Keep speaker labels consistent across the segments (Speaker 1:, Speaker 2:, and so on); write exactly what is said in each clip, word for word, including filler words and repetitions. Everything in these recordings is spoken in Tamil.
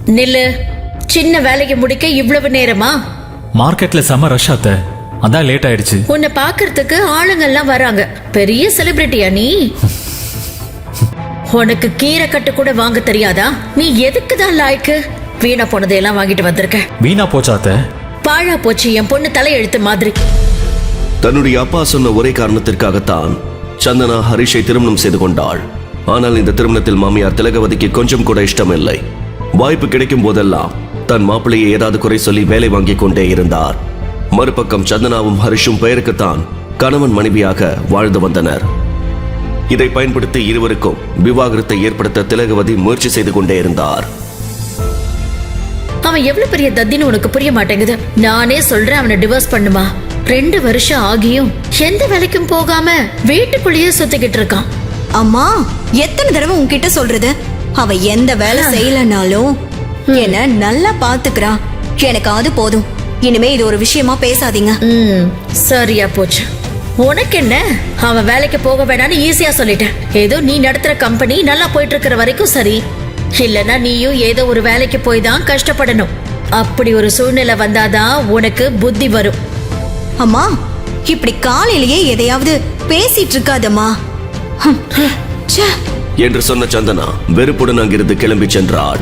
Speaker 1: நில்லு. சின்ன வேலைக்கு முடிக்க இவ்வளவு நேரமா?
Speaker 2: மார்க்கெட்ல செம ரஷ் ஆத்த, அதான் லேட் ஆயிடுச்சு.
Speaker 1: உன்னை பாக்குறதுக்கு ஆளுங்கெல்லாம் வராங்க. பெரிய செலிபிரிட்டியா நீ? உனக்கு கீரை கட்டு கூட வாங்க தெரியாதா? நீ எதுக்குதான் லாய்க்கு? வீணா போனதையெல்லாம் வாங்கிட்டு வந்திருக்க.
Speaker 2: வீணா போச்சாத்த?
Speaker 1: பாழா போச்சு என் பொண்ணு தலையெழுத்து மாதிரி.
Speaker 3: தன்னுடைய அப்பா சொன்ன ஒரே காரணத்திற்காகத்தான் சந்தனா ஹரிஷை திருமணம் செய்து கொண்டாள். ஆனால் இந்த திருமணத்தில் மாமியார் திலகவதிக்கு கொஞ்சம் கூட இஷ்டம் இல்லை. வாய்ப்பு கிடைக்கும் போதெல்லாம் தன் மாப்பிள்ளையை ஏதாவது குறை சொல்லி வேலை வாங்கிக் கொண்டே இருந்தார். மறுபக்கம் சந்தனாவும் ஹரிஷும் பெயருக்குத்தான் கணவன் மனைவியாக வாழ்ந்து வந்தனர். இதை பயன்படுத்தி இருவருக்கும் விவாகரத்தை ஏற்படுத்த திலகவதி முயற்சி செய்து கொண்டே இருந்தார்.
Speaker 1: அவன் எவ்வளவு பெரிய தத்தின்னு உனக்கு புரிய மாட்டேங்குது. நானே சொல்றேன் அவனை டிவோர்ஸ் பண்ணுமா. ரெண்டு வருஷம் ஆகியும் எந்த வேலைக்கும் போகாம வீட்டுக்குள்ளேயே சுத்திக்கிட்டு இருக்கான்.
Speaker 4: அம்மா, எத்தனை தடவை உன்கிட்ட சொல்றது? அவ எந்த வேலை செய்யலனாலும் என்ன நல்லா பாத்துக்கிறா. எனக்கு அது போதும். இனிமே இது ஒரு விஷயமா பேசாதீங்க.
Speaker 1: ம், சரியா போச்சு. உனக்கு என்ன? அவன் வேலைக்கு போக வேணான்னு ஈஸியா சொல்லிட்டேன். ஏதோ நீ நடத்துற கம்பெனி நல்லா போயிட்டு இருக்கிற வரைக்கும் சரி. இல்லனா நீயும் ஏதோ ஒரு வேலைக்கு போய் தான் கஷ்டப்படணும். அப்படி ஒரு சூழ்நிலை வந்தாதான் உனக்கு புத்தி வரும்.
Speaker 4: அம்மா, இப்படி காலையிலேயே எதையாவது பேசிட்டு இருக்காதம்மா
Speaker 3: என்று சொன்ன சந்தனா வெறுப்புடன் அங்கிருந்து கிளம்பி சென்றாள்.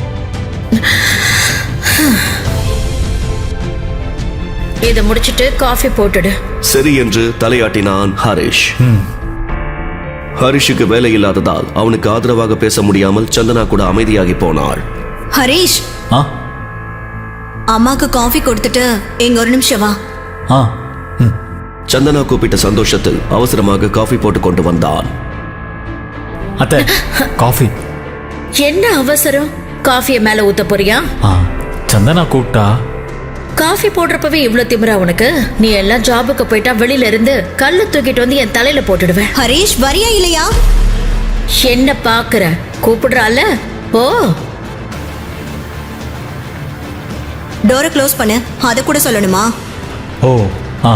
Speaker 1: இதை முடிச்சிட்டு காஃபி போட்டுடு.
Speaker 3: சரி என்று தலையாட்டினான் ஹரிஷ். ஹரிஷுக்கு வேலை இல்லாததால் அவனுக்கு ஆதரவாக பேச முடியாமல் சந்தனா கூட அமைதியாகி போனாள்.
Speaker 4: ஹரிஷ், அம்மாக்கு காஃபி கொடுத்துட்டு எங்க ஒரு நிமிஷம் வா.
Speaker 3: சந்தனா கூப்பிட்ட சந்தோஷத்தில் அவசரமாக காஃபி போட்டு கொண்டு வந்தான்.
Speaker 2: அத்தை, காஃபி.
Speaker 1: என்ன அவசரம்? காஃபியை மேல ஊத்த போறியா?
Speaker 2: சந்தனா கூப்பிட்டா.
Speaker 1: காஃபி போடுறப்பவே இவ்வளவு திமிரா உனக்கு? நீ எல்லாம் ஜாபுக்கு போயிட்டா வெளியில இருந்து கல்லு தூக்கிட்டு வந்து என் தலையில போட்டுடுவேன்.
Speaker 4: ஹரிஷ், வரியா இல்லையா?
Speaker 1: என்ன பாக்குற? கூப்பிடுறால? ஓ,
Speaker 4: டோரை க்ளோஸ் பண்ணு. அத கூட சொல்லணுமா?
Speaker 2: ஓ, ஆ.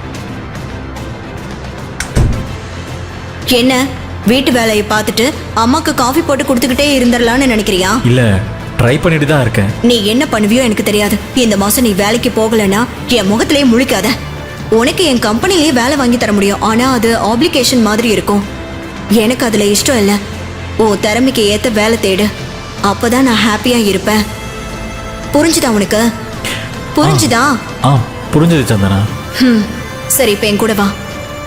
Speaker 4: என்ன, வீட்டு வேலையை பார்த்துட்டு அம்மாக்கு காஃபி போட்டு கொடுத்துக்கிட்டே இருந்துடலான்னு நினைக்கிறியா?
Speaker 2: இல்ல, ட்ரை பண்ணிட்டு தான் இருக்கேன்.
Speaker 4: நீ என்ன பண்ணுவியோ எனக்கு தெரியாது. இந்த மாசம் நீ வேலைக்கு போகலன்னா என் முகத்திலேயே முழிக்காத. உனக்கு என் கம்பெனிலேயே வேலை வாங்கி தர முடியும். ஆனா அது ஆப்ளிகேஷன் மாதிரி இருக்கும். எனக்கு அதுல இஷ்டம் இல்லை. ஓ, திறமைக்கு ஏத்த வேலை தேடு. அப்பதான் நான் ஹாப்பியா இருப்பேன். புரிஞ்சுதா உனக்கு? புரிஞ்சுதா?
Speaker 2: ஆ, புரிஞ்சது சந்தனா.
Speaker 4: ம், சரி, இப்ப என் கூட வா.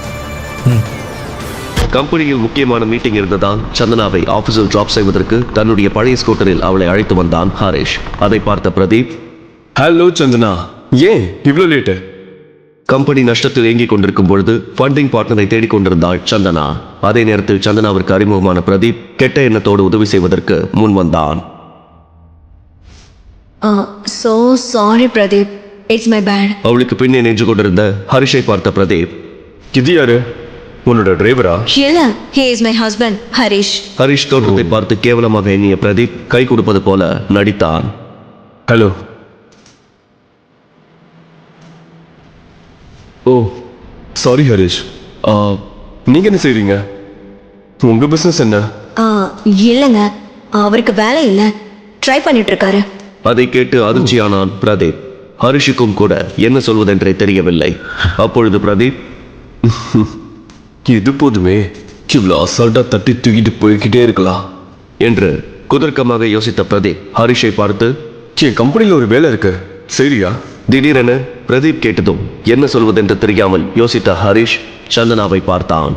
Speaker 3: கம்பெனியில் முக்கியமான மீட்டிங் இருந்ததால் சந்தனாவை ஆபீஸில் டிராப் செய்வதற்கு தன்னுடைய பழைய ஸ்கூட்டரில் அவளை அழைத்து வந்தான் ஹரிஷ். அதை பார்த்த பிரதீப்,
Speaker 5: ஹலோ சந்தனா, ஏன் இவ்வளவு லேட்டு?
Speaker 3: கம்பெனி நஷ்டத்தில் இயங்கிக் கொண்டிருக்கும் பொழுது ஃபண்டிங் பார்ட்னரை தேடிக் கொண்டிருந்தாள் சந்தனா. அதே நேரத்தில் சந்தனாவிற்கு அறிமுகமான பிரதீப் கெட்ட எண்ணத்தோடு உதவி செய்வதற்கு முன் வந்தான்.
Speaker 4: So sorry Pradeep, it's my bad.
Speaker 3: அவளுக்கு பின்னே நின்று கொண்டிருந்த ஹரிஷை பார்த்த பிரதீப்,
Speaker 5: இது யாரு? உன்னோட டிரைவரா?
Speaker 4: இல்ல, he is my husband, Harish.
Speaker 3: Harish தோற்றத்தை பார்த்து கேவலமாக எண்ணிய பிரதீப் கை கொடுப்பது போல நடித்தான்.
Speaker 5: ஹலோ. Oh, sorry Harish. நீங்க என்ன செய்றீங்க? உங்க பிசினஸ் என்ன?
Speaker 4: இல்லங்க, அவருக்கு வேலை இல்ல, ட்ரை பண்ணிட்டு இருக்காரு.
Speaker 3: அதை கேட்டு அதிர்ச்சியானான் பிரதீப். ஹரிஷுக்கும் கூட என்ன சொல்வதென்றே தெரியவில்லை. அப்பொழுது பிரதீப்,
Speaker 5: இது போதுமே, இவ்வளோ அசால்ட்டா தட்டி தூக்கிட்டு போய்கிட்டே இருக்கலாம்
Speaker 3: என்று குதர்க்கமாக யோசித்த பிரதீப் ஹரிஷை பார்த்து,
Speaker 5: என் கம்பெனியில் ஒரு வேலை இருக்கு, சரியா?
Speaker 3: திடீரென பிரதீப் கேட்டதும் என்ன சொல்வதென்று தெரியாமல் யோசித்த ஹரிஷ் சந்தனாவை பார்த்தான்.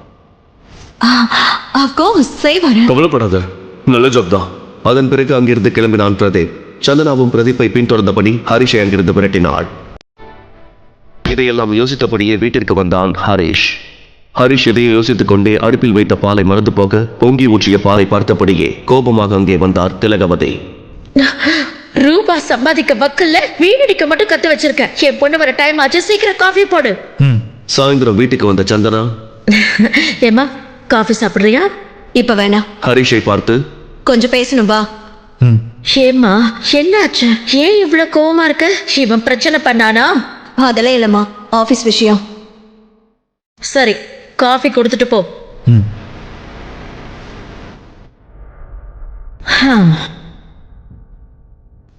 Speaker 5: கவலைப்படாத, நல்ல ஜாப் தான்.
Speaker 3: அதன் பிறகு அங்கிருந்து கிளம்பினான் பிரதீப். சந்தனாவும் பிரதீப்பை பின்தொடர்ந்தபடி ஹரிஷை அங்கிருந்து விரட்டினாள். இதையெல்லாம் யோசித்தபடியே வீட்டிற்கு வந்தான் ஹரிஷ். ஹரிஷ் இதையை யோசித்துக் கொண்டே அடுப்பில் வைத்த பாலை மறந்து போக பொங்கி ஊற்றிய பாலை பார்த்தபடியே கோபமாக அங்கே வந்தார் திலகவதி.
Speaker 1: ரூபா சம்பாதிக்க வக்கல்ல வீணடிக்க மட்டும் கத்து வச்சிருக்க. என் பொண்ணு வர டைம் ஆச்சு, சீக்கிரம் காஃபி போடு.
Speaker 3: சாயந்தரம் வீட்டுக்கு வந்த சந்தனா,
Speaker 1: ஏமா காஃபி சாப்பிடுறியா?
Speaker 4: இப்ப வேணாம்.
Speaker 3: ஹரிஷை பார்த்து,
Speaker 4: கொஞ்சம் பேசணும் வா.
Speaker 1: ஏமா என்னாச்சு? ஏன் இவ்வளவு கோவமா இருக்க? இவன் பிரச்சனை பண்ணானா?
Speaker 4: அதெல்லாம் இல்லம்மா, ஆபீஸ் விஷயம்.
Speaker 1: சரி, காஃபி கொடுத்துட்டு போ.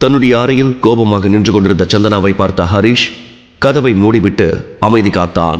Speaker 3: தன்னுடைய அறையில் கோபமாக நின்று கொண்டிருந்த சந்தனாவை பார்த்த ஹரிஷ் கதவை மூடிவிட்டு அமைதி காத்தான்.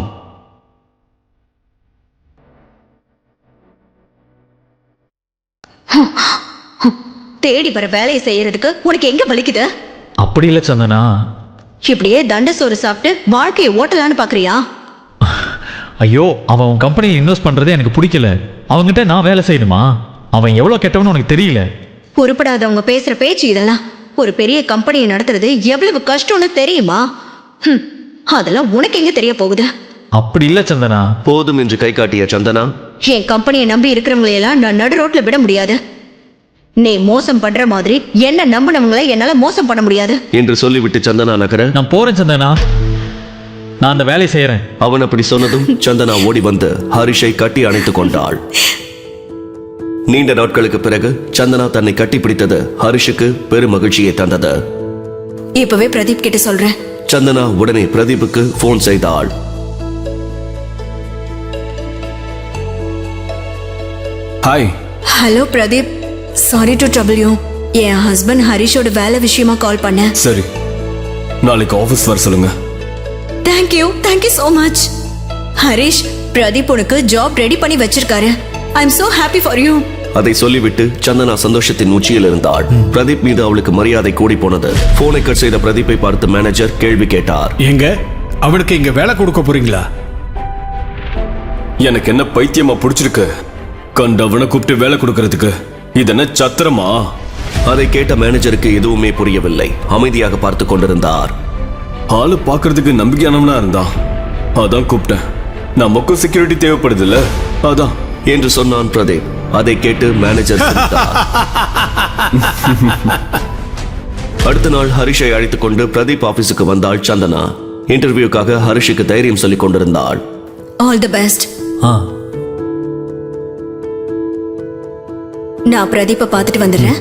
Speaker 4: தேடி வர வேலையை செய்யறதுக்கு உனக்கு எங்க வலிக்குது?
Speaker 2: அப்படி இல்லை சந்தனா.
Speaker 4: இப்படியே தண்ட சோறு சாப்பிட்டு வாழ்க்கையை ஓட்டலான்னு பாக்குறியா?
Speaker 2: ஐயோ, அவன் உன் கம்பெனியில் இன்வெஸ்ட் பண்ணுறதே எனக்கு பிடிக்கல. அவங்ககிட்ட நான் வேலை செய்யணுமா? அவன் எவ்வளோ கெட்டவனு உனக்கு தெரியல.
Speaker 4: பொறுப்படாதவங்க பேசுற பேச்சு இதெல்லாம். ஒரு பெரிய கம்பெனியை நடத்துறது எவ்வளவு கஷ்டம்னு தெரியுமா? ஹம், அதெல்லாம் உனக்கு எங்க தெரிய போகுது?
Speaker 2: அப்படி இல்லை சந்தனா.
Speaker 3: போதும் என்று கை காட்டிய சந்தனா,
Speaker 4: என் கம்பெனியை நம்பி இருக்கிறவங்களையெல்லாம் நான் நடு ரோட்ல விட முடியாது. நீ மோசம் பண்ற மாதிரி என்ன நம்பினவங்களை என்னால மோசம் பண்ண முடியாது
Speaker 3: என்று சொல்லிவிட்டு சந்தனா நகர,
Speaker 2: நான் போறேன் சந்தனா, நான் அந்த வேலையை செய்யறேன்.
Speaker 3: அவன் அப்படி சொன்னதும் சந்தனா ஓடி வந்து ஹரிஷை கட்டி அணைத்துக் கொண்டாள். நீண்ட நாட்களுக்கு பிறகு சந்தனா தன்னை கட்டி பிடித்தது ஹரிஷுக்கு பெரும் மகிழ்ச்சியை தந்தது.
Speaker 4: இப்பவே பிரதீப் கிட்ட சொல்றேன்.
Speaker 3: சந்தனா உடனே பிரதீப்புக்கு போன் செய்தாள்.
Speaker 5: Hi.
Speaker 4: Hello Pradeep, sorry to trouble you. என் ஹஸ்பண்ட் ஹரிஷோட வேலை விஷயமா கால் பண்ணேன்.
Speaker 5: சரி, நாளைக்கு ஆஃபீஸ் வர சொல்லுங்க.
Speaker 4: Thank you thank you so much. Harish, Pradeep உனக்கு ஜாப் ரெடி பண்ணி வச்சிருக்காரு. I am so happy for you.
Speaker 3: அதை சொல்லிவிட்டு சந்தனா சந்தோஷத்தின் உச்சியில் இருந்தாள். பிரதீப் மீது அவளுக்கு மரியாதை கூடி போனது. போனை கட் செய்த பிரதீப்பை பார்த்து மேனேஜர் கேள்வி கேட்டார்.
Speaker 6: எங்க அவனுக்கு இங்க வேலை கொடுக்க போறீங்களா?
Speaker 5: எனக்கு என்ன பைத்தியமா பிடிச்சிருக்கு கண்டவனை கூப்பிட்டு வேலை கொடுக்கறதுக்கு? இது என்ன சத்திரமா?
Speaker 3: அதை கேட்ட மேனேஜருக்கு எதுவுமே புரியவில்லை. அமைதியாக பார்த்து கொண்டிருந்தார்.
Speaker 5: ஆளு பாக்குறதுக்கு நம்பிக்கையானவனா இருந்தான், அதான் கூப்பிட்டேன். நமக்கும் செக்யூரிட்டி தேவைப்படுது இல்ல, அதான்
Speaker 3: என்று சொன்னான் பிரதீப். அதை கேட்டு மேனேஜர் சிரித்தார். அடுத்த நாள் ஹரிஷை அழைத்துக் கொண்டு பிரதீப் ஆபீஸுக்கு வந்தாள் சந்தனா. இன்டர்வியூக்காக ஹரிஷுக்கு தைரியம் சொல்லிக் கொண்டிருந்தாள்.
Speaker 4: All the best.
Speaker 2: ஆ,
Speaker 4: நான் பிரதீப்பை பார்த்துட்டு வந்துடுறேன்.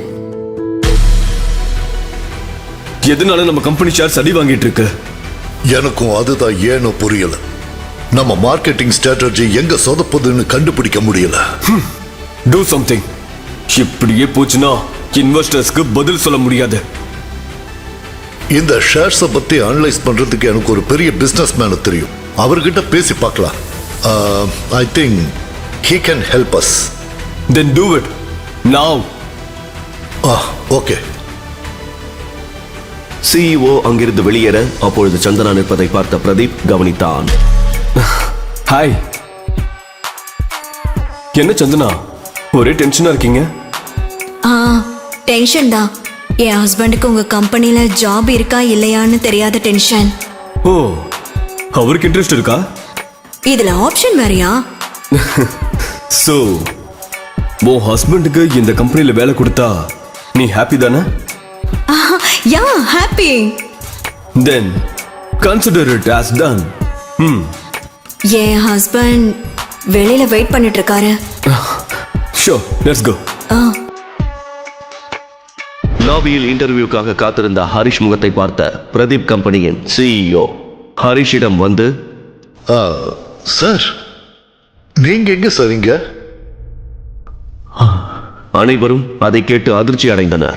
Speaker 5: எதனால நம்ம கம்பெனி ஷேர் சடி வாங்கிட்டு இருக்கு?
Speaker 7: எனக்கும் அதுதான் ஏனோ புரியல. நம்ம மார்க்கெட்டிங் ஸ்ட்ராட்டஜி எங்க சொதப்புதுன்னு கண்டுபிடிக்க முடியல.
Speaker 5: Do something. இப்படியே போச்சுன்னா இன்வெஸ்டர்ஸ்க்கு பதில் சொல்ல முடியாது.
Speaker 7: இந்த ஷேர்ஸை பத்தி அனலைஸ் பண்றதுக்கு எனக்கு ஒரு பெரிய பிசினஸ் மேன தெரியும். அவர்கிட்ட பேசி பார்க்கலாம். I think he can help us.
Speaker 5: Then do it now.
Speaker 7: Okay.
Speaker 3: CEO அங்கிருந்து வெளியேற அப்பொழுது சந்தனா நிற்பதை பார்த்த பிரதீப் கவனித்தான்.
Speaker 5: ஹாய். என்ன சந்தனா, ஒரே டென்ஷனா இருக்கீங்க?
Speaker 4: ஆ, டென்ஷன் தான். என் ஹஸ்பண்டுக்கு உங்க கம்பெனில ஜாப் இருக்கா இல்லையான்னு தெரியாத டென்ஷன்.
Speaker 5: ஓ, அவருக்கு இன்ட்ரெஸ்ட் இருக்கா?
Speaker 4: இதுல ஆப்ஷன் வேறயா?
Speaker 5: சோ உன் ஹஸ்பண்டுக்கு இந்த கம்பெனில வேலை கொடுத்தா நீ ஹாப்பி தானே?
Speaker 4: Yeah, happy.
Speaker 5: Then consider it as done. Hmm.
Speaker 4: என் ஹஸ்பண்ட் வெளியில வெயிட் பண்ணிட்டு இருக்காரு.
Speaker 5: Sure, let's go.
Speaker 4: ஆ,
Speaker 3: லாபியில் இன்டர்வியூக்காக காத்திருந்த ஹரிஷ் முகத்தை பார்த்த பிரதீப் கம்பெனியின் சிஇஓ ஹரிஷிடம் வந்து,
Speaker 7: சார், நீங்க எங்க சரிங்க?
Speaker 3: அனைவரும் அதை கேட்டு அதிர்ச்சி அடைந்தனர்.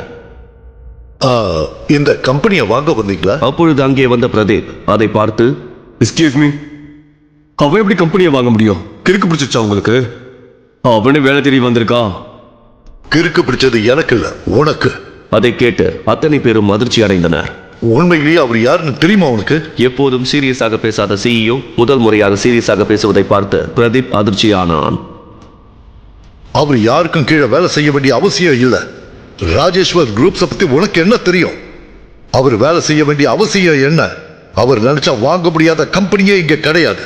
Speaker 7: இந்த கம்பெனியை வாங்க வந்தீங்களா?
Speaker 3: அப்பொழுது அங்கே வந்த பிரதீப் அதை பார்த்து,
Speaker 5: Excuse me. அவன் எப்படி கம்பெனியை வாங்க முடியும்? கிறுக்கு பிடிச்சிச்சா உங்களுக்கு? அவனே வேலை தேடி வந்திருக்கான்.
Speaker 7: கிறுக்கு பிடிச்சது எனக்கு இல்ல, உனக்கு.
Speaker 3: அதை கேட்டு அத்தனை பேரும் அதிர்ச்சி அடைந்தனர்.
Speaker 7: உண்மையிலேயே அவர் யாருன்னு தெரியுமா உனக்கு?
Speaker 3: எப்போதும் சீரியஸாக பேசாத சிஇஓ முதல் முறையாக சீரியஸாக பேசுவதை பார்த்து பிரதீப் அதிர்ச்சியானான்.
Speaker 7: அவர் யாருக்கும் கீழே வேலை செய்ய வேண்டிய அவசியம் இல்லை. ராஜேஸ்வர் குரூப்ஸை பத்தி உனக்கு என்ன தெரியும்? அவர் வேலை செய்ய வேண்டிய அவசியம் என்ன? அவர் நினைச்சா வாங்க முடியாத கம்பெனியே இங்க கிடையாது.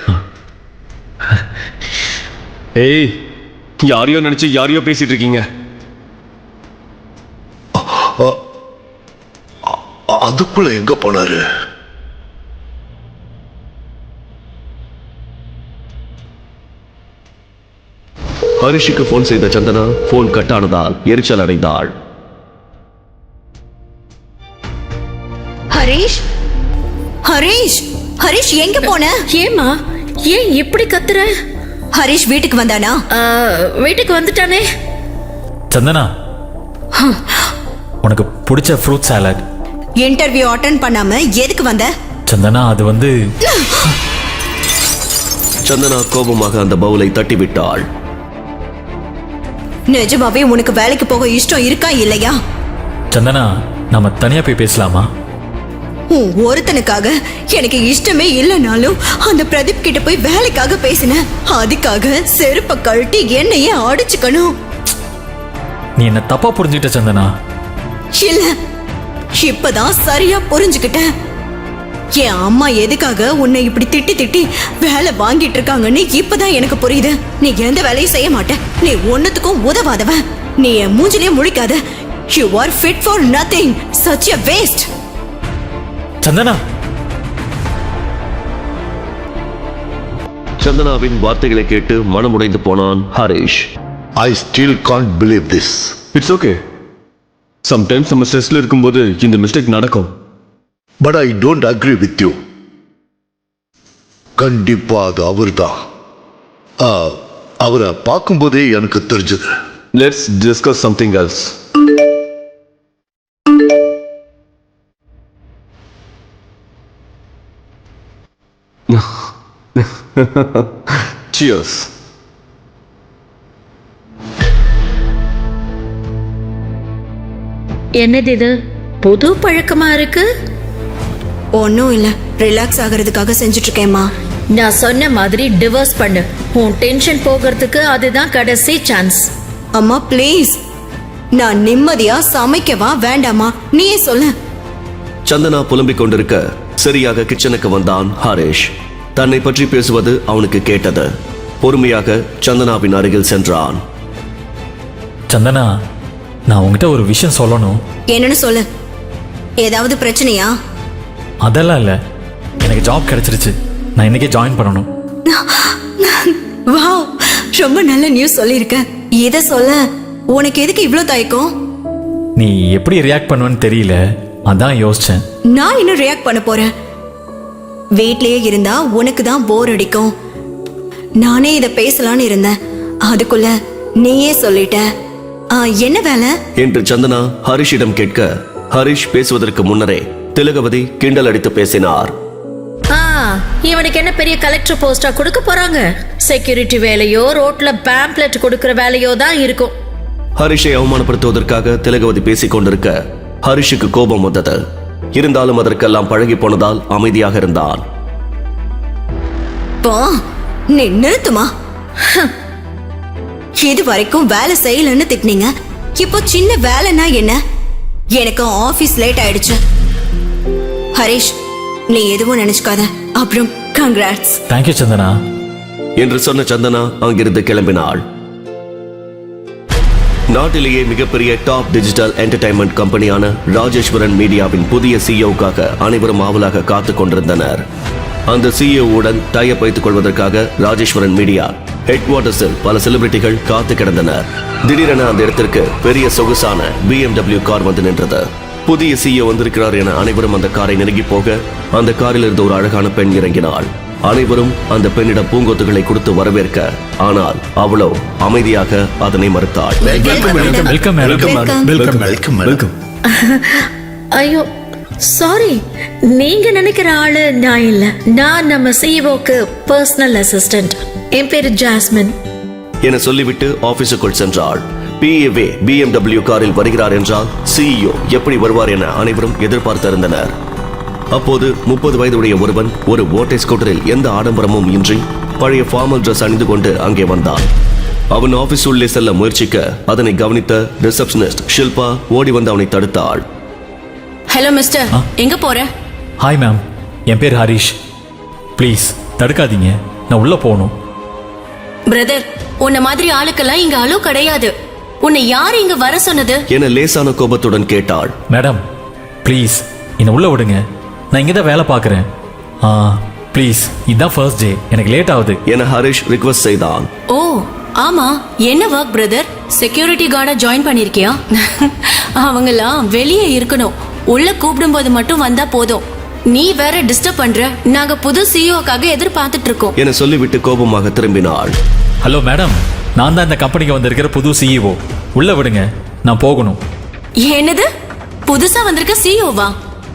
Speaker 5: ஏய், யாரையோ நினைச்சு யாரையோ பேசிட்டு இருக்கீங்க.
Speaker 7: அதுக்குள்ள எங்க போனாரு?
Speaker 3: ஹரிஷுக்கு போன் செய்த சந்தனா போன் கட் ஆனதால் எரிச்சல் அடைந்தாள்.
Speaker 4: ஹரிஷ், ஹரிஷ், ஹரிஷ் எங்க போன?
Speaker 1: ஏமா ஏன் இப்படி கத்துற?
Speaker 4: ஹரிஷ் வீட்டுக்கு வந்தானா?
Speaker 1: ஆ, வீட்டுக்கு வந்துட்டானே.
Speaker 2: சந்தனா, உனக்கு பிடிச்ச ஃப்ரூட் சாலட்
Speaker 4: இன்டர்வியூ அட்டென்ட் பண்ணாம எதுக்கு வந்த?
Speaker 2: சந்தனா அது வந்து
Speaker 3: சந்தனா கோபமாக அந்த பவுலை தட்டிவிட்டாள்.
Speaker 4: நிஜமாவே உனக்கு வேலைக்கு போக இஷ்டம் இருக்கா இல்லையா?
Speaker 2: சந்தனா நம்ம தனியா போய் பேசலாமா?
Speaker 4: உன் ஒருத்தனுக்காக எனக்கு இஷ்டமே இல்லைனாலும் அந்த பிரதீப் கிட்ட போய் வேலைக்காக பேசினேன். அதுக்காக செருப்ப கழட்டி என்னையே அடிச்சுக்கணும்.
Speaker 2: நீ என்ன தப்பா புரிஞ்சுக்கிட்ட சந்தனா.
Speaker 4: இல்ல, இப்பதான் சரியா புரிஞ்சுக்கிட்டேன். என் அம்மா எதுக்காக உன்னை இப்படி திட்டி திட்டி வேலை வாங்கிட்டு இருக்காங்கன்னு இப்பதான் எனக்கு புரியுது. நீ எந்த வேலையும் செய்ய மாட்ட, நீ ஒன்னுத்துக்கும் உதவாதவன். நீ என் மூஞ்சிலே முழிக்காத. You are fit for nothing. Such a waste.
Speaker 2: Santhana
Speaker 3: சந்தனாவின் வார்த்தைகளை கேட்டு மனமுடைந்து போனான் Harish.
Speaker 7: I still can't believe this.
Speaker 5: It's okay. Sometimes நம்ம ஸ்ட்ரெஸ்ல இருக்கும்போது இந்த மிஸ்டேக் நடக்கும்.
Speaker 7: But I don't agree with you. கண்டிப்பா அது அவர்தான். ஆ, அவரை பார்க்கும்போதே எனக்கு தெரிஞ்சது.
Speaker 5: Let's discuss something else. Cheers.
Speaker 1: என்னது இது புது பழக்கமா இருக்கு?
Speaker 4: ஒன்னும் இல்ல, ரிலாக்ஸ் ஆகிறதுக்காக செஞ்சுட்டு இருக்கேம்மா.
Speaker 1: நான் சொன்ன மாதிரி டிவோர்ஸ் பண்ணு. உன் டென்ஷன் போகிறதுக்கு அதுதான் கடைசி சான்ஸ்.
Speaker 4: அம்மா ப்ளீஸ், நான் நிம்மதியா சமைக்கவா வேண்டாமா நீயே சொல்ல.
Speaker 3: சந்தனா புலம்பிக் கொண்டிருக்க சரியாக கிச்சனுக்கு வந்தான் ஹரிஷ். தன்னை பற்றி பேசுவது அவனுக்கு கேட்டது. பொறுமையாக சந்தனாவின் அருகில் சென்றான்.
Speaker 2: சந்தனா நான் உங்ககிட்ட ஒரு விஷயம் சொல்லணும்.
Speaker 4: என்னன்னு சொல்லு. ஏதாவது பிரச்சனையா?
Speaker 2: அதெல்லாம் இல்லை, எனக்கு ஜாப் கிடைச்சிருச்சு. நான் இன்னைக்கே ஜாயின் பண்ணணும்.
Speaker 4: வாவ், ரொம்ப நல்ல நியூஸ் சொல்லியிருக்க. இத சொல்ல உனக்கு எதுக்கு இவ்ளோ தயக்கம்?
Speaker 2: நீ எப்படி ரியாக்ட் பண்ணுவேன்னு தெரியல, அதான் யோசிச்சேன்.
Speaker 4: நான் இன்னும் ரியாக்ட் பண்ண போறேன். வீட்லயே இருந்தா உனக்கு தான் போர் அடிக்கும். நானே இத பேசலான்னு இருந்தேன், அதுக்குள்ள நீயே சொல்லிட்ட. ஆ, என்ன வேலை
Speaker 3: என்று சந்தனா ஹரிஷிடம் கேட்க, ஹரிஷ் பேசுவதற்கு முன்னரே திலகவதி கிண்டல் அடித்து பேசினார்.
Speaker 1: ஆ, இவனுக்கு என்ன பெரிய கலெக்டர் போஸ்டா கொடுக்க போறாங்க? செக்யூரிட்டி வேலையோ ரோட்ல பேம்ப்ளெட் கொடுக்கிற வேலையோ தான் இருக்கும்.
Speaker 3: ஹரிஷை அவமானப்படுத்துவதற்காக திலகவதி பேசிக் கொண்டிருக்க ஹரிஷுக்கு கோபம் வந்தது. இருந்தாலும் அதற்கெல்லாம் பழகி போனதால் அமைதியாக இருந்தான்.
Speaker 4: போ, நீ நிறுத்துமா. இது வரைக்கும் வேலை செய்யலன்னு திட்டினீங்க, இப்போ சின்ன வேலைன்னா என்ன? எனக்கு ஆபீஸ் லேட் ஆயிடுச்சு. ஹரிஷ், நீ எதுவும் நினைச்சுக்காத. அப்புறம் கங்க்ராட்ஸ்.
Speaker 2: தேங்க்யூ சந்தனா
Speaker 3: என்று சொன்ன சந்தனா அங்கிருந்து கிளம்பினாள். நாட்டிலேயே மிகப்பெரிய டாப் டிஜிட்டல் என்டர்டைன்மெண்ட் கம்பெனியான ராஜேஸ்வரன் மீடியாவின் புதிய சிஇஓக்காக அனைவரும் ஆவலாக காத்துக் கொண்டிருந்தனர். அந்த சிஇஓவுடன் டைப் வைத்துக் கொள்வதற்காக ராஜேஸ்வரன் மீடியா ஹெட் குவார்ட்டர்ஸில் பல செலிபிரிட்டிகள் காத்து கிடந்தனர். திடீரென அந்த இடத்திற்கு பெரிய சொகுசான பி எம் டபிள்யூ கார் வந்து நின்றது. புதிய சிஇஓ வந்திருக்கிறார் என அனைவரும் அந்த காரை நெருங்கி போக அந்த காரில் இருந்த ஒரு அழகான பெண் இறங்கினாள். அனைவரும் அந்த பெண்ணிடம் பூங்கொத்துகளை கொடுத்து வரவேற்க, ஆனால் அவளோ அமைதியாக அதனை மறுத்தாள்.
Speaker 2: Welcome
Speaker 6: welcome welcome welcome.
Speaker 1: ஐயோ சாரி, நீங்க நினைக்கிற ஆளு நான் இல்ல. நான் நம்ம சிஇஓக்கு பர்சனல் அசிஸ்டன்ட். என் பேரு ஜாஸ்மின்
Speaker 3: என சொல்லிவிட்டு ஆபீஸுக்குள் சென்றாள். பிஏவே பி எம் டபிள்யூ காரில் வருகிறார் என்றால் சிஇஓ எப்படி வருவார் என அனைவரும் எதிர்பார்த்திருந்தனர். அப்போது முப்பது வயதுடைய ஒருவன் ஒரு ஓட்டை ஸ்கூட்டரில் எந்த ஆடம்பரமும் இன்றி பழைய ஃபார்மல் டிரெஸ் அணிந்து கொண்டு அங்கே வந்தான். அவன் ஆபீஸ் உள்ளே செல்ல முயற்சிக்க அதனை கவனித்த ரிசப்ஷனிஸ்ட் ஷில்பா ஓடி வந்து அவனை தடுத்தாள்.
Speaker 8: ஹலோ மிஸ்டர், எங்க போற?
Speaker 2: ஹாய் மேம், என் பேர் ஹரிஷ். ப்ளீஸ் தடுக்காதீங்க, நான் உள்ள போகணும்.
Speaker 8: பிரதர், உன்ன மாதிரி ஆளுக்கெல்லாம் இங்க அலோ கிடையாது. உன்னை யார் இங்க வர சொன்னது
Speaker 3: என லேசான கோபத்துடன் கேட்டாள்.
Speaker 2: மேடம் ப்ளீஸ் என்னை உள்ள விடுங்க, நான் இங்கே தான் வேலை பார்க்குறேன். ஆ ப்ளீஸ், இதுதான் ஃபர்ஸ்ட் டே, எனக்கு லேட் ஆகுது
Speaker 3: என ஹரிஷ் ரிக்வெஸ்ட் செய்தான்.
Speaker 8: ஓ ஆமா, என்ன ஒர்க் பிரதர்? செக்யூரிட்டி கார்டா ஜாயின் பண்ணிருக்கியா? அவங்கெல்லாம் வெளியே இருக்கணும், உள்ள கூப்பிடும் போது மட்டும் வந்தா போதும். நீ வேற டிஸ்டர்ப் பண்ற. நாங்க புது சிஇஓக்காக எதிர்பார்த்துட்டு இருக்கோம்
Speaker 3: என சொல்லிவிட்டு கோபமாக திரும்பினாள்.
Speaker 2: ஹலோ மேடம், நான் தான் இந்த கம்பெனிக்கு வந்திருக்கிற புது சிஇஓ. உள்ள விடுங்க, நான் போகணும்.
Speaker 8: என்னது, புதுசா வந்திருக்க சிஇஓவா?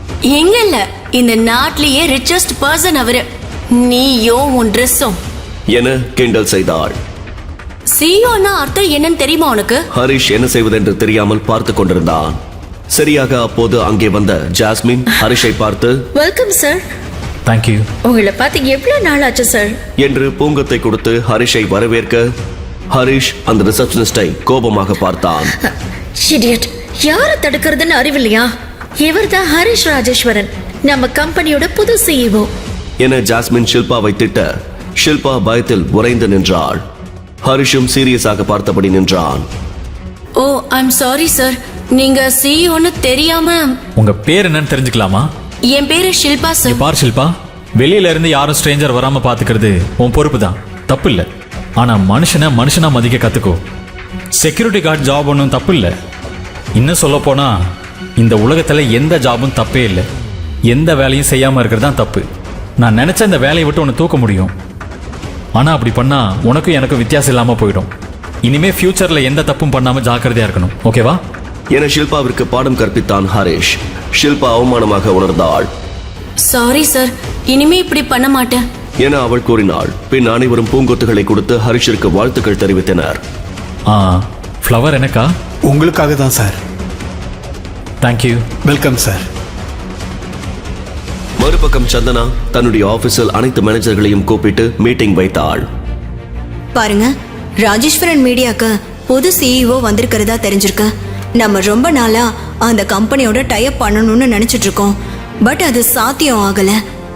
Speaker 8: எங்க இல்ல இந்த நாட்டிலேயே ரிச்சஸ்ட் பர்சன் அவரு. நீயோ உன் ட்ரெஸ்ஸும்.
Speaker 3: என கிண்டல் செய்தாள்.
Speaker 8: சிஇஓனா அர்த்தம் என்னன்னு தெரியுமா உனக்கு?
Speaker 3: ஹரிஷ் என்ன செய்வதென்று தெரியாமல் பார்த்து கொண்டிருந்தான். சரியாக அப்போது அங்கே வந்த ஜாஸ்மின் ஹரிஷை பார்த்து
Speaker 1: வெல்கம் சார்.
Speaker 2: தேங்க்யூ.
Speaker 1: உங்களை பார்த்து எவ்வளவு நாள் ஆச்சு சார்
Speaker 3: என்று பூங்கத்தை கொடுத்து ஹரிஷை வரவேற்க ஹரிஷ் அந்த ரிசப்ஷனிஸ்டை கோபமாக பார்த்தான்.
Speaker 1: இடியட், யாரை தடுக்கிறதுன்னு அறிவில்லையா? இவர்தான் ஹரிஷ் ராஜேஸ்வரன், நம்ம கம்பெனியோட புது சிஇஓ
Speaker 3: என ஜாஸ்மின் ஷில்பாவை திட்ட ஷில்பா பயத்தில் உறைந்து நின்றாள். ஹரிஷும் சீரியஸாக பார்த்தபடி நின்றான்.
Speaker 8: ஓ ஐம் சாரி சார், நீங்க சிஇஓன்னு தெரியாம.
Speaker 2: உங்க பேர் என்னன்னு தெரிஞ்சுக்கலாமா?
Speaker 8: என் பேரு ஷில்பா
Speaker 2: இங்க
Speaker 8: சார்.
Speaker 2: பார் ஷில்பா, வெளியில இருந்து யாரும் ஸ்ட்ரேஞ்சர் வராம பாத்துக்கிறது உன் பொறுப்பு தான், தப்பு இல்ல. ஆனா மனுஷனை மனுஷனா மதிக்க கத்துக்கோ. செக்யூரிட்டி கார்டு ஜாப் ஒன்றும் தப்பு இல்லை. இன்னும் சொல்ல போனா இந்த உலகத்துல எந்த ஜாபும் தப்பே இல்லை. எந்த வேலையும் செய்யாம இருக்கிறது தான் தப்பு. நான் நினைச்ச இந்த வேலையை விட்டு உன்னை தூக்க முடியும். ஆனா அப்படி பண்ணா உனக்கும் எனக்கும் வித்தியாசம் இல்லாம போயிடும். இனிமே ஃபியூச்சர்ல எந்த தப்பும் பண்ணாம ஜாக்கிரதையா இருக்கணும், ஓகேவா?
Speaker 3: என ஷில்பாவிற்கு பாடம் கற்பித்தான் ஹரிஷ். ஷில்பா அவமானமாக உணர்ந்தாள்.
Speaker 8: சாரி சார், இனிமே இப்படி பண்ண மாட்டேன்
Speaker 3: என அவள் கூறினாள். பின் அனைவரும் பூங்கொத்துகளை கொடுத்து ஹரிஷிற்கு வாழ்த்துக்கள் தெரிவித்தனர்.
Speaker 2: ஆ, ஃப்ளவர் எனக்கா?
Speaker 6: உங்களுக்காக தான் சார்.
Speaker 2: தேங்க்யூ.
Speaker 6: Welcome sir.
Speaker 3: மறுபக்கம் சந்தனா தன்னுடைய ஆபீஸில் அனைத்து மேனேஜர்களையும் கூப்பிட்டு மீட்டிங் வைத்தாள்.
Speaker 4: பாருங்க, ராஜேஸ்வரன் மீடியாக்கு புது சிஇஓ வந்திருக்கிறதா தெரிஞ்சிருக்கு. நம்ம ரொம்ப நாளா அந்த கம்பெனியோட டைப் பண்ணணும்னு நினைச்சிட்டு இருக்கோம். பட் அது சாத்தியம் ஆகல.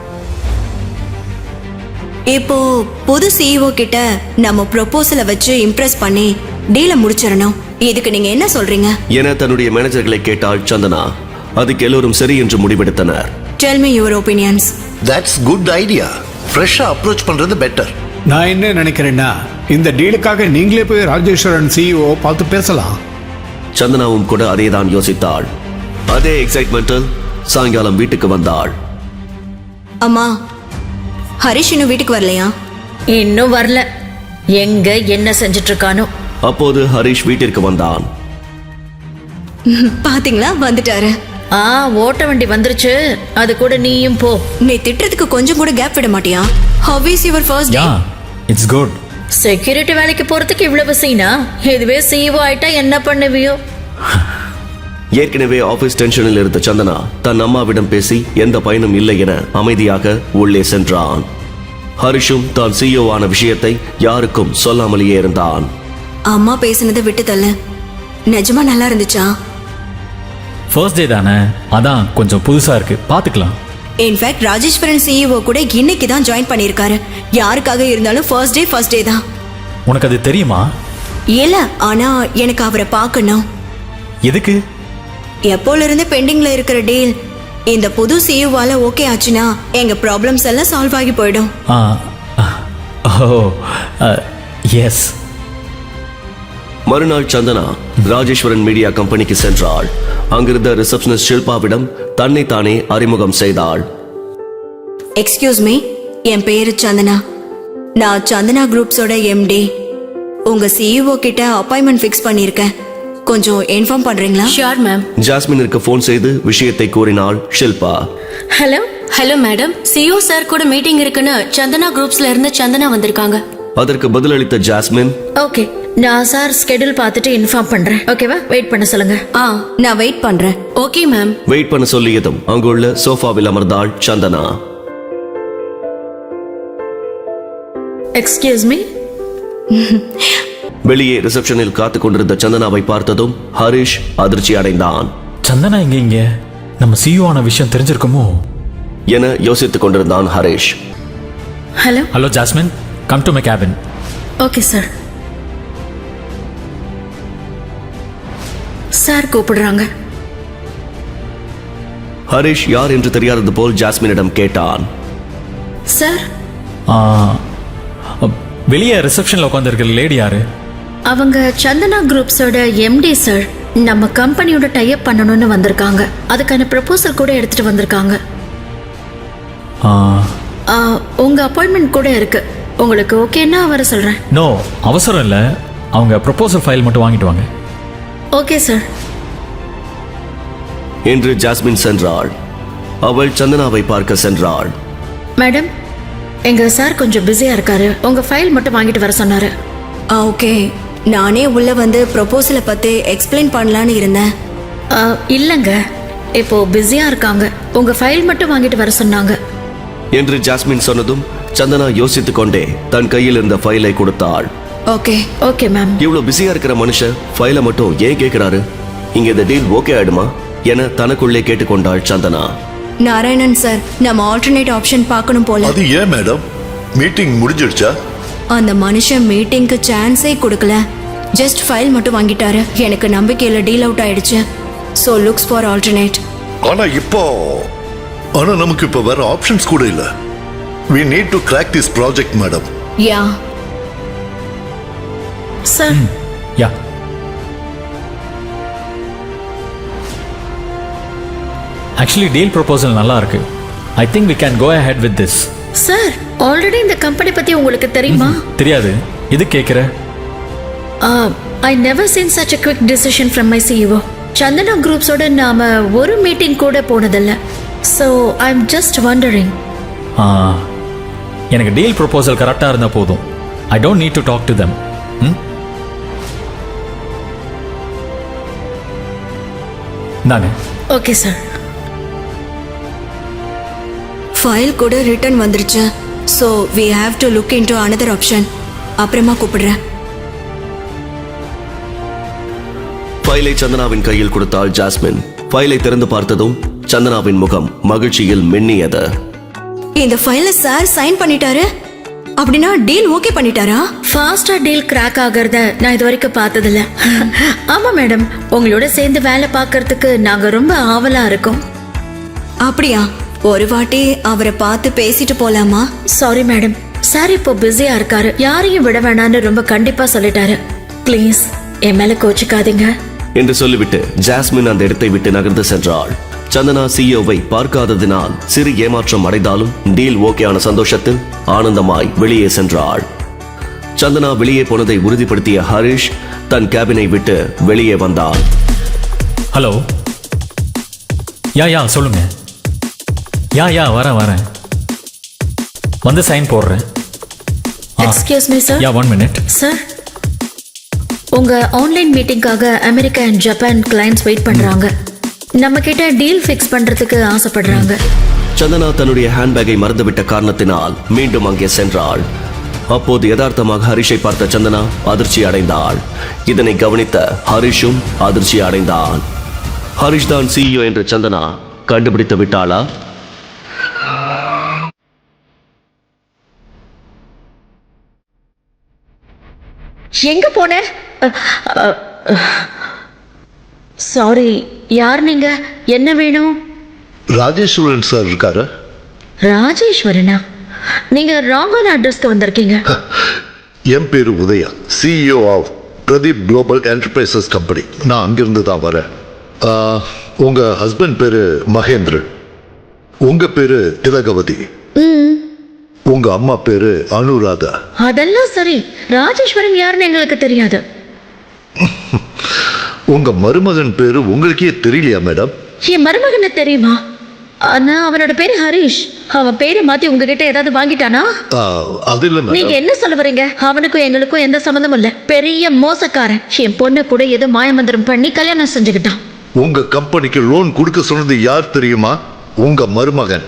Speaker 4: இப்போ புது சிஇஓ கிட்ட நம்ம ப்ரொபோசலை வச்சு இம்ப்ரெஸ் பண்ணி டீலை முடிச்சிடணும். இதுக்கு நீங்க என்ன சொல்றீங்க?
Speaker 3: என தன்னுடைய மேனேஜர்களை கேட்டாள் சந்தனா. அதுக்கு எல்லோரும் சரி என்று முடிவெடுத்தனர்.
Speaker 4: Tell me your opinions.
Speaker 7: That's good idea. ஃப்ரெஷ்ஷா அப்ரோச் பண்றது பெட்டர்.
Speaker 6: நான் என்ன நினைக்கிறேன்னா, இந்த டீலுக்காக நீங்களே போய் ராஜேஸ்வரன் சிஇஓ பார்த்து பேசலாம்.
Speaker 3: சந்தனாவும் கூட அதேதான் யோசித்தாள். அதே எக்ஸைட்மெண்டில் சாயங்காலம் வீட்டுக்கு வந்தாள்.
Speaker 4: அம்மா, ஹரிஷ் இன்னும் வீட்டுக்கு வரலையா?
Speaker 1: இன்னும் வரல. எங்க என்ன செஞ்சுட்டு இருக்கானோ.
Speaker 3: அப்போது ஹரிஷ் வீட்டிற்கு வந்தான்.
Speaker 4: பாத்தீங்களா, வந்துட்டாரு.
Speaker 1: ஆ, ஓட்ட வண்டி வந்துருச்சு. அது கூட நீயும் போ.
Speaker 4: நீ திட்டுறதுக்கு கொஞ்சம் கூட கேப் விட மாட்டியா? How is your first day?
Speaker 2: Yeah, it's good.
Speaker 1: Security வேலைக்கு போறதுக்கு இவ்வளவு சீனா? இதுவே சிஇஓ ஆயிட்டா என்ன பண்ணுவியோ?
Speaker 3: ஏற்கனவே ஆபீஸ் டென்ஷனில் இருந்த சந்தனா தன் அம்மாவிடம் பேசி எந்த பயனும் இல்லை என அமைதியாக உள்ளே சென்றான். ஹரிஷும் தான் சிஇஓ ஆன விஷயத்தை யாருக்கும் சொல்லாமலேயே இருந்தான்.
Speaker 4: அம்மா பேசினதை விட்டு தள்ளு. நிஜமா நல்லா இருந்துச்சா?
Speaker 2: ஃபர்ஸ்ட் டே தானே, அதான் கொஞ்சம் புதுசா இருக்கு, பாத்துக்கலாம்.
Speaker 4: இன்ஃபேக்ட் ராஜேஸ்வரன் சிஇஓ கூட இன்னைக்கு தான் ஜாயின் பண்ணியிருக்காரு. யாருக்காக இருந்தாலும் ஃபர்ஸ்ட் டே ஃபர்ஸ்ட் டே தான்.
Speaker 2: உனக்கு அது தெரியுமா?
Speaker 4: இல்ல, ஆனா எனக்கு அவரை பார்க்கணும்.
Speaker 2: எதுக்கு?
Speaker 4: எப்போல இருந்து பெண்டிங்ல இருக்கிற டீல் இந்த புது சிஇஓவால ஓகே ஆச்சுன்னா எங்க ப்ராப்ளம்ஸ் எல்லாம் சால்வ் ஆகி போயிடும்.
Speaker 2: Ah, oh, yes.
Speaker 3: மறுநாள் சந்தனா ராஜேஸ்வரன் மீடியா கம்பெனிக்கு சென்றாள். அங்கிருந்த ரிசப்ஷனிஸ்ட் ஷில்பாவிடம் தன்னை தானே அறிமுகம் செய்தாள்.
Speaker 4: எக்ஸ்கியூஸ் மீ, என் பேரு சந்தனா. நான் சந்தனா குரூப்ஸோட எம்டி. உங்க சிஇஓ கிட்ட அப்பாயின்மெண்ட் ஃபிக்ஸ் பண்ணியிருக்கேன். கொஞ்சம் இன்ஃபார்ம் பண்றீங்களா?
Speaker 8: Sure ma'am.
Speaker 3: ஜாஸ்மினிற்கு போன் செய்து விஷயத்தை கூறினாள் Shilpa.
Speaker 1: Hello
Speaker 8: hello madam, CEO sir கூட மீட்டிங் இருக்குன்னு சந்தனா குரூப்ஸ்ல இருந்து சந்தனா வந்திருக்காங்க.
Speaker 3: அதற்கு பதிலளித்த ஜாஸ்மின்,
Speaker 1: ஓகே, நான் சார் ஸ்கெடியூல் பார்த்துட்டு இன்ஃபார்ம் பண்றேன். ஓகேவா? வெயிட் பண்ண சொல்லுங்க.
Speaker 8: ஆ,
Speaker 4: நான் வெயிட் பண்றேன்.
Speaker 8: Okay ma'am.
Speaker 3: வெயிட் பண்ண சொல்லியதும் அங்குள்ள சோஃபாவில் அமர்ந்தாள் சந்தனா.
Speaker 1: Excuse me.
Speaker 3: வெளியே ரிசப்ஷனில் காத்துக் கொண்டிருந்த சந்தனாவை பார்த்ததும் ஹரிஷ் அதிர்ச்சி அடைந்தான்.
Speaker 2: சந்தனா இங்க இங்க நம்ம சிஇஓ ஆன விஷயம் தெரிஞ்சிருக்குமோ
Speaker 3: என யோசித்துக் கொண்டிருந்தான் Harish.
Speaker 1: Hello
Speaker 2: hello Jasmine, come to my cabin.
Speaker 1: Okay sir. Sir கூப்பிடுறாங்க.
Speaker 3: ஹரிஷ் யார் என்று தெரியாதது போல் ஜாஸ்மினிடம் கேட்டான்.
Speaker 1: சார்,
Speaker 2: வெளியே ரிசப்ஷன்ல உட்காந்துருக்கிற லேடி யாரு?
Speaker 1: அவங்க சந்தனா குரூப்ஸோட எம்டி சார். நம்ம கம்பெனியோட டைப் பண்ணணும்னு வந்திருக்காங்க. அதுக்கான ப்ரப்போசல் கூட எடுத்துட்டு வந்திருக்காங்க.
Speaker 2: ஆ,
Speaker 1: ஆ, உங்க அப்பாயின்மெண்ட் கூட இருக்கு. உங்களுக்கு ஓகேன்னா வர சொல்றேன்.
Speaker 2: நோ, அவசரம் இல்லை. அவங்க ப்ரொபோசல் ஃபைல் மட்டும் வாங்கிட்டு வாங்க.
Speaker 1: Okay sir.
Speaker 3: என்று ஜாஸ்மின் சென்றாள். அவள் சந்தனாவை பார்க்க சென்றாள்.
Speaker 1: மேடம், எங்க சார் கொஞ்சம் பிஸியா இருக்காரு. உங்க ஃபைல் மட்டும் வாங்கிட்டு வர சொன்னாரு.
Speaker 4: ஆ ஓகே, நானே உள்ள வந்து ப்ரொபோசலை பத்தி எக்ஸ்பிளைன் பண்ணலான்னு இருந்தேன்.
Speaker 1: ஆ, இல்லங்க, இப்போ பிஸியா இருக்காங்க. உங்க ஃபைல் மட்டும் வாங்கிட்டு வர சொன்னாங்க
Speaker 3: என்று ஜாஸ்மின் சொன்னதும் சந்தனா யோசித்துக் கொண்டே தன் கையில் இருந்த ஃபைலை கொடுத்தாள்.
Speaker 4: Okay
Speaker 1: okay ma'am.
Speaker 3: இவ்வளவு பிஸியா இருக்கிற மனுஷன் ஃபைலை மட்டும் ஏன் கேட்கிறாரு? இங்க இந்த டீல் ஓகே ஆயிடுமா என தனக்குள்ளே கேட்டுக்கொண்டாள் சந்தனா.
Speaker 4: நாராயணன் சார், நம்ம ஆல்டர்னேட் ஆப்ஷன் பார்க்கணும் போல.
Speaker 7: அது ஏன் மேடம்? மீட்டிங் முடிஞ்சிடுச்சா?
Speaker 4: அந்த மனுஷன் மீட்டிங்க்கு சான்ஸே கொடுக்கல. ஜஸ்ட் ஃபைல் மட்டும் வாங்கிட்டாரு. எனக்கு நம்பிக்கையில டீல் அவுட் ஆயிடுச்சு. So looks for alternate.
Speaker 7: ஆனா இப்போ ஆனா நமக்கு இப்போ வேற ஆப்ஷன்ஸ் கூட இல்ல. we need to crack this project madam.
Speaker 4: Yeah
Speaker 1: sir,
Speaker 2: yeah, actually deal proposal நல்லா இருக்கு. I think we can go ahead with this.
Speaker 1: Sir, already இந்த கம்பெனி பத்தி உங்களுக்கு தெரியுமா?
Speaker 2: தெரியாது, இது கேட்குற.
Speaker 1: I never seen such a quick decision from my C E O. Chandana குரூப்ஸோட நாம ஒரு மீட்டிங் கூட போனதில்ல. So I am just wondering.
Speaker 2: எனக்கு டீல் ப்ரொபோசல் கரெக்டாக இருந்தால் போதும். I don't need to talk to them. தாங்க.
Speaker 1: Okay sir.
Speaker 4: ஃபைல் கூட ரிட்டர்ன் வந்துருச்சு. So we have to look into another option. அப்புறமா கூப்பிடுறேன்.
Speaker 3: ஃபைலை சந்தனாவின் கையில் கொடுத்தாள் ஜாஸ்மின். ஃபைலை திறந்து பார்த்ததும் சந்தனாவின் முகம் மகிழ்ச்சியில் மின்னியது.
Speaker 4: இந்த ஃபைல சார் சைன் பண்ணிட்டாரு. அப்படின்னா டீல் ஓகே பண்ணிட்டாரா?
Speaker 1: ஃபாஸ்டா டீல் கிராக் ஆகிறத நான் இது வரைக்கும் பார்த்ததில்ல. ஆமா மேடம், உங்களோட சேர்ந்து வேலை பார்க்கறதுக்கு நாங்க ரொம்ப ஆவலா இருக்கோம்.
Speaker 4: அப்படியா? ஒரு வாட்டி அவரை பார்த்து பேசிட்டு போலாமா?
Speaker 1: சாரி மேடம், சார் இப்போ பிஸியா இருக்காரு. யாரையும் விட வேணான்னு ரொம்ப கண்டிப்பா சொல்லிட்டாரு. ப்ளீஸ் என் மேல கோச்சிக்காதீங்க
Speaker 3: என்று சொல்லிவிட்டு ஜாஸ்மின் அந்த இடத்தை விட்டு நகர்ந்து சென்றாள். சந்தனா சிஇஓவை பார்க்காததினால் சிறு ஏமாற்றம் அடைந்தாலும் டீல் ஓகேயான சந்தோஷத்தில் ஆனந்தமாய் வெளியே சென்றாள். சந்தனா வெளியே போனதை உறுதிப்படுத்திய ஹரிஷ் தன் கேபினை விட்டு வெளியே வந்தாள்.
Speaker 2: ஹலோ. யா யா சொல்லுங்க. யா யா வரேன் வரேன் வந்து சைன் போடுறேன்.
Speaker 1: Excuse me sir.
Speaker 2: Yeah one minute.
Speaker 1: Sir, உங்க ஆன்லைன் மீட்டிங்காக America and Japan clients wait பண்றாங்க. நம்ம கிட்ட டீல் ஃபிக்ஸ் பண்றதுக்கு ஆசைப்படுறாங்க.
Speaker 3: சந்தனா தன்னுடைய ஹேண்ட்பேக்கை மறந்துவிட்ட காரணத்தினால் மீண்டும் அங்கே சென்றாள். அப்போது யதார்த்தமாக ஹரிஷை பார்த்த சந்தனா அதிர்ச்சி அடைந்தாள். இதனை கவனித்த ஹரிஷும் அதிர்ச்சி அடைந்தான். ஹரிஷ் தான் சிஇஓ என்று சந்தனா கண்டுபிடித்து விட்டாளா?
Speaker 1: எங்க போன? சாரி, யார் நீங்க? என்ன வேணும்?
Speaker 7: ராஜேஸ்வரன் சார் இருக்காரு?
Speaker 1: ராஜேஸ்வரனா? நீங்க ராங்கான அட்ரஸ்க்கு வந்திருக்கீங்க.
Speaker 7: என் பேரு Udaya, CEO of Pradeep global enterprises company. நான் அங்கிருந்து தான் வரேன். ஆ, உங்க ஹஸ்பண்ட் பேரு மகேந்திரன், உங்க பேரு திலகவதி, உங்க அம்மா பேரு அனுராதா.
Speaker 1: அதெல்லாம் சரி, ராஜேஸ்வரன் யாருன்னு எங்களுக்கு தெரியாது.
Speaker 7: உங்க மருமகன் பேரு உங்களுக்கே தெரியலையா மேடம்?
Speaker 1: என் மருமகனை தெரியுமா? ஆனா அவனோட பேரு ஹரிஷ். அவன் பேரை மாத்தி உங்ககிட்ட ஏதாவது வாங்கிட்டானா?
Speaker 7: ஆ, அது இல்ல
Speaker 1: நீங்க
Speaker 7: மேடம்.
Speaker 1: என்ன சொல்ல வரீங்க? அவனுக்கும் எங்களுக்கும் எந்த சம்மந்தமும் இல்ல. பெரிய மோசக்காரன். என் பொண்ணு கூட ஏதோ மாயமந்திரம் பண்ணி கல்யாணம் செஞ்சுக்கிட்டான்.
Speaker 7: உங்க கம்பெனிக்கு லோன் கொடுக்க சொன்னது யார் தெரியுமா? உங்க மருமகன்.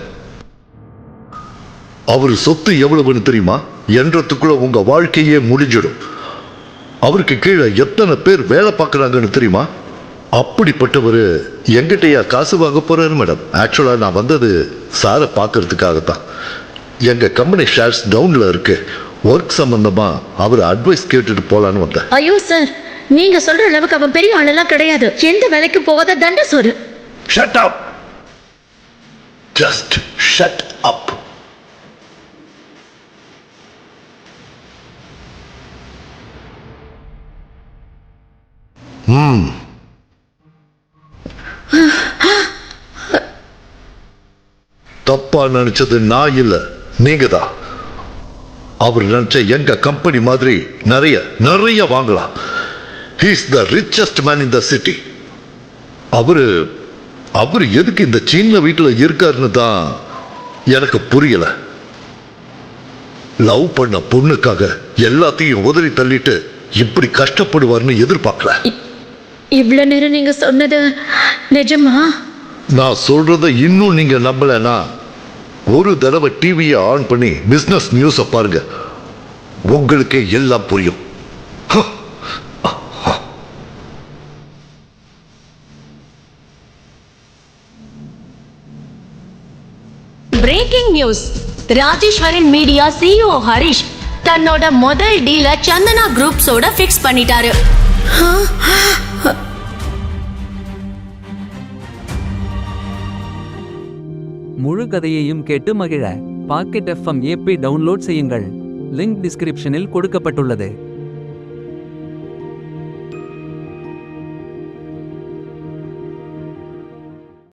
Speaker 7: அவர் சொத்து எவ்வளவுன்னு தெரியுமா? என்றதுக்குள்ள உங்க வாழ்க்கையே முடிஞ்சிடும். அவருக்கு கீழே எத்தனை பேர் வேலை பார்க்கறாங்கன்னு தெரியுமா? அப்படிப்பட்டவர் எங்கிட்டயா காசு வாங்க போறாரு மேடம். ஆக்சுவலா நான் வந்தது சாரை பார்க்கறதுக்காகத்தான். எங்க கம்பெனி ஷேர்ஸ் டவுன்ல இருக்கு. ஒர்க் சம்பந்தமா அவர் அட்வைஸ் கேட்டுட்டு போலான்னு வந்தேன்.
Speaker 1: ஐயோ சார், நீங்க சொல்ற அளவுக்கு அவன் பெரிய ஆளெல்லாம் கிடையாது. எந்த வேலைக்கு போகாத தண்ட சோறு.
Speaker 7: Shut up. Just shut up. ம். தப்பா நினைச்சது நான் இல்ல, நீங்க தான். அவர் நினைச்ச எங்க கம்பெனி மாதிரி நிறைய நிறைய வாங்கலாம். He is the richest man in the city. அவரு அவர் எதுக்கு இந்த சின்ன வீட்டுல இருக்காருன்னு தான் எனக்கு புரியல. லவ் பண்ண பொண்ணுக்காக எல்லாத்தையும் உதறி தள்ளிட்டு இப்படி கஷ்டப்படுவார்னு எதிர்பார்க்கல.
Speaker 1: இவ்வளவு நேரம் நீங்க சொன்னது நிஜமா?
Speaker 7: நான் சொல்றத இன்னும் நீங்க நம்பலனா ஒரு தடவை டிவியை ஆன் பண்ணி பிசினஸ் நியூஸை பாருங்க, உங்களுக்கே எல்லாம் புரியும்.
Speaker 8: Breaking news. Rajeswaran media CEO Harish தன்னோட முதல் டீல சந்தனா குரூப்ஸோட ஃபிக்ஸ் பண்ணிட்டாரு.
Speaker 9: முழு கதையையும் கேட்டு மகிழ பாக்கெட் எஃப்எம் ஏபி டவுன்லோட் செய்யுங்கள். லிங்க் டிஸ்கிரிப்ஷனில் கொடுக்கப்பட்டுள்ளது.